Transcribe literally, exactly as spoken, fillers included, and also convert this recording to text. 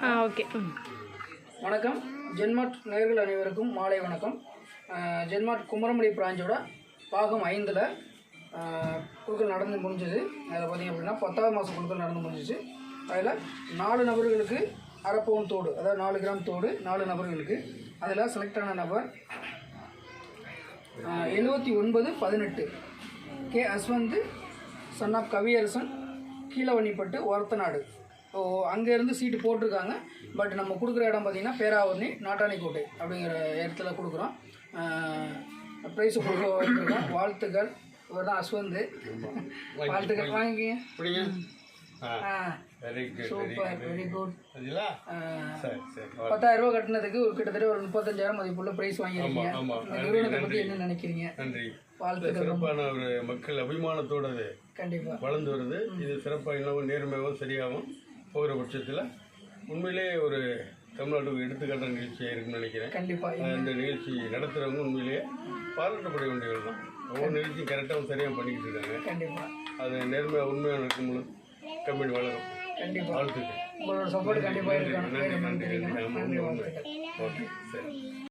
ஆ okay. வணக்கம். ஜென்மார்ட் நேயர்கள் அனைவருக்கும் மாலை வணக்கம். ஜென்மார்ட் குமரமலை பிராஞ்சோட பாகம் ஐந்தில் குழுக்கள் நடந்து முடிஞ்சது. அதில் பார்த்திங்க அப்படின்னா பத்தாவது மாதம் குழுக்கள் நடந்து முடிஞ்சிச்சு. அதில் நாலு நபர்களுக்கு அரை பவுன் தோடு, அதாவது நாலு கிராம் தோடு நாலு நபர்களுக்கு. அதில் செலக்ட் ஆன நபர் எழுபத்தி ஒன்பது பதினெட்டு K Ashwanth son of Kaviyarasan, Keezhavannipattu, Orathanadu. So அங்கேருந்து சீட்டு போட்டிருக்காங்க. பட் நம்ம கொடுக்குற இடம் பார்த்திங்கன்னா பேராவூர்ணி நாட்டாணிக்கோட்டை அப்படிங்கிற இடத்துல கொடுக்குறோம். ப்ரைஸு கொடுக்க வச்சுருக்கோம். வாழ்த்துக்கள். இவர் தான் அஸ்வந்த். வாழ்த்துக்கள் வாங்கிக்கிங்க. Super, very good. பத்தாயிரம் ரூபா கட்டினதுக்கு கிட்டத்தட்ட ஒரு முப்பத்தஞ்சாயிரம் மதிப்புள்ள ப்ரைஸ் வாங்கியிருக்கீங்க. இந்த நிறுவனத்தை பற்றி என்ன நினைக்கிறீங்க? வாழ்த்துக்கள். சிறப்பான ஒரு மக்கள் அபிமானத்தோடு கண்டிப்பாக வளர்ந்து வருது. இது சிறப்பாக இன்னமும் நேர்மையாகவும் சரியாகவும் போகிற பட்சத்தில் உண்மையிலே ஒரு தமிழ்நாட்டுக்கு எடுத்துக்காட்டுற நிகழ்ச்சியாக இருக்குன்னு நினைக்கிறேன். கண்டிப்பாக இந்த நிகழ்ச்சி நடத்துகிறவங்க உண்மையிலேயே பாராட்டப்பட வேண்டியவர்கள் தான். ஒவ்வொரு நிகழ்ச்சியும் கரெக்டாகவும் சரியாக பண்ணிக்கிட்டு இருக்காங்க. கண்டிப்பாக அது நேர்மையாக உண்மையாக இருக்கும்போது கம்பெனி வளரும். கண்டிப்பாக வாழ்த்துக்கள். உங்களோட சப்போர்ட் கண்டிப்பாக இருக்கணும். நன்றி நன்றி நன்றி. ஓகே சரி.